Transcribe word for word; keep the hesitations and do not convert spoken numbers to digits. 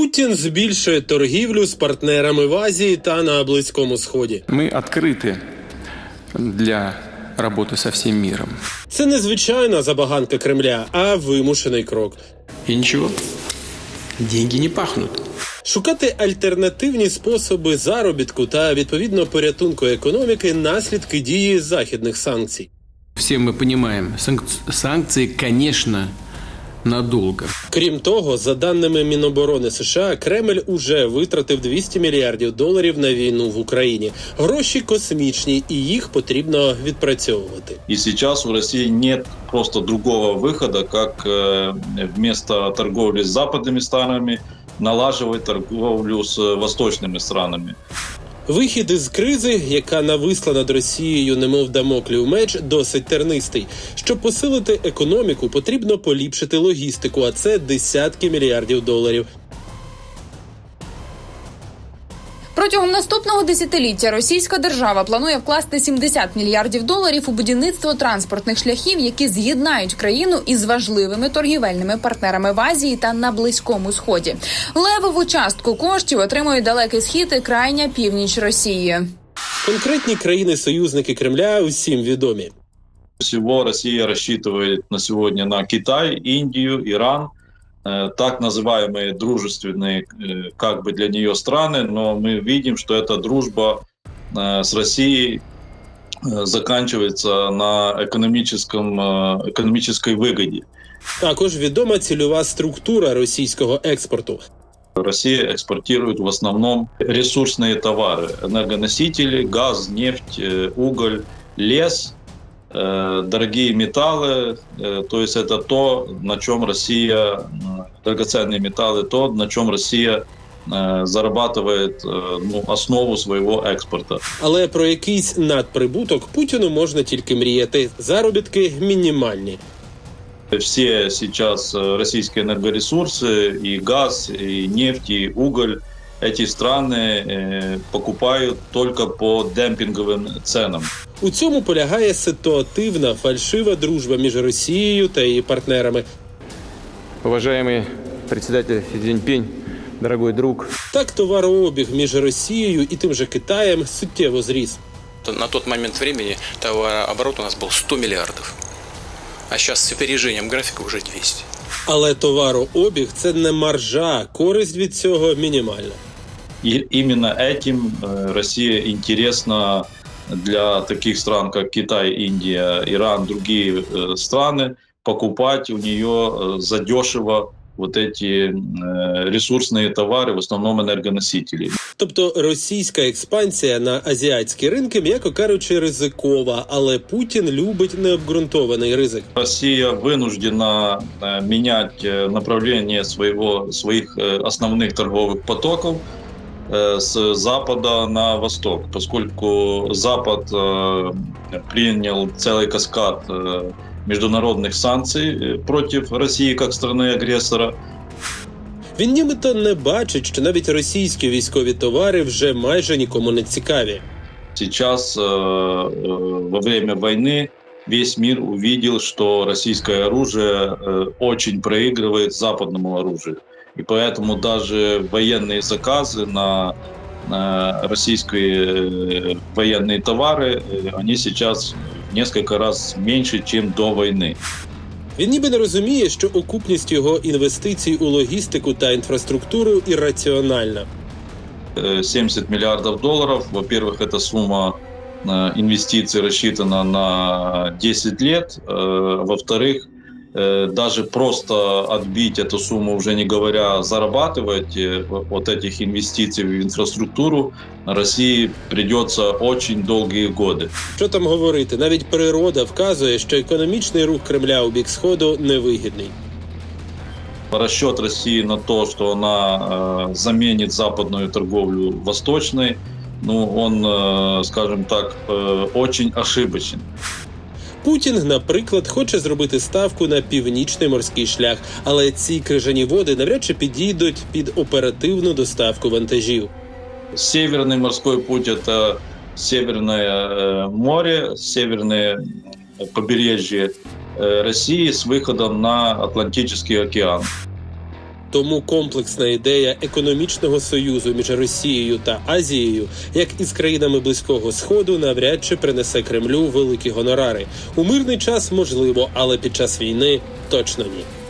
Путін збільшує торгівлю з партнерами в Азії та на Близькому Сході. Ми відкриті для роботи з усім світом. Це не звичайна забаганка Кремля, а вимушений крок. І нічого, деньги не пахнуть. Шукати альтернативні способи заробітку та, відповідно, порятунку економіки – наслідки дії західних санкцій. Всі ми розуміємо, санкції, звісно, надовго. Крім того, за даними Міноборони США, Кремль уже витратив двісті мільярдів доларів на війну в Україні. Гроші космічні, і їх потрібно відпрацьовувати. И сейчас у России нет просто другого выхода, как э, вместо торговли с западными странами налаживать торговлю с восточными странами. Вихід із кризи, яка нависла над Росією немов дамоклів меч, досить тернистий. Щоб посилити економіку, потрібно поліпшити логістику, а це десятки мільярдів доларів. Протягом наступного десятиліття російська держава планує вкласти сімдесят мільярдів доларів у будівництво транспортних шляхів, які з'єднають країну із важливими торгівельними партнерами в Азії та на Близькому Сході. Левову частку коштів отримують Далекий Схід і крайня північ Росії. Конкретні країни-союзники Кремля усім відомі. Всего Россия рассчитывает на сегодня на Китай, Индию, Иран, так называемые дружественные как бы для нее страны, но мы видим, что эта дружба с Россией заканчивается на экономическом, экономической выгоде. Також відома цільова структура російського експорту. Россия экспортирует в основном ресурсные товары: энергоносители, газ, нефть, уголь, лес, дорогие металлы, то есть это то, на чем Россия, драгоценные металлы, то, на чем Россия зарабатывает ну, основу своего експорту. Але про якийсь надприбуток Путіну можна тільки мріяти. Заробітки мінімальні. Все сейчас российские энергоресурсы, и газ, и нефть, и уголь, эти страны покупают только по демпинговым ценам. У цьому полягає ситуативна, фальшива дружба між Росією та її партнерами. Уважаемый председатель Си Цзиньпинь, дорогой друг. Так товарообіг між Росією і тим же Китаєм суттєво зріс. На тот момент времени товарооборот у нас был сто миллиардов, а сейчас с опережением графика уже двести. Але товарообіг – це не маржа, користь від цього мінімальна. И именно этим Россия интересна для таких стран, как Китай, Индия, Иран, другие страны, покупать у нее задешево вот эти ресурсные товары, в основном энергоносители. Тобто російська експансія на азіатські ринки, м'яко кажучи, ризикова, але Путін любить необґрунтований ризик. Россия вынуждена менять направление своего, своих основных торговых потоков с запада на восток, поскольку Запад э, принял целый каскад э, международных санкций против России как страны-агрессора. Він нібито не бачить, що навіть російські військові товари вже майже нікому не цікаві. Сейчас, э, э, во время войны, весь мир увидел, что российское оружие э, очень проигрывает западному оружию. И поэтому даже военные заказы на, на российские военные товары, они сейчас в несколько раз меньше, чем до войны. Він ніби не розуміє, що окупність його інвестицій у логістику та інфраструктуру ірраціональна. семьдесят миллиардов долларов, во-первых, эта сумма инвестиций рассчитана на десять лет, во-вторых, даже просто отбить эту сумму, уже не говоря зарабатывать вот этих инвестиций в инфраструктуру, России придется очень долгие годы. Що там говорити, навіть природа вказує, що економічний рух Кремля у бік Сходу невигідний. Расчет России на то, что она э, заменит западную торговлю восточной, ну, он, э, скажем так, э, очень ошибочен. Путін, наприклад, хоче зробити ставку на північний морський шлях, але ці крижані води навряд чи підійдуть під оперативну доставку вантажів. Северный морской путь – это Северное море, северное побережье России с выходом на Атлантический океан. Тому комплексна ідея економічного союзу між Росією та Азією, як і з країнами Близького Сходу, навряд чи принесе Кремлю великі гонорари. У мирний час можливо, але під час війни точно ні.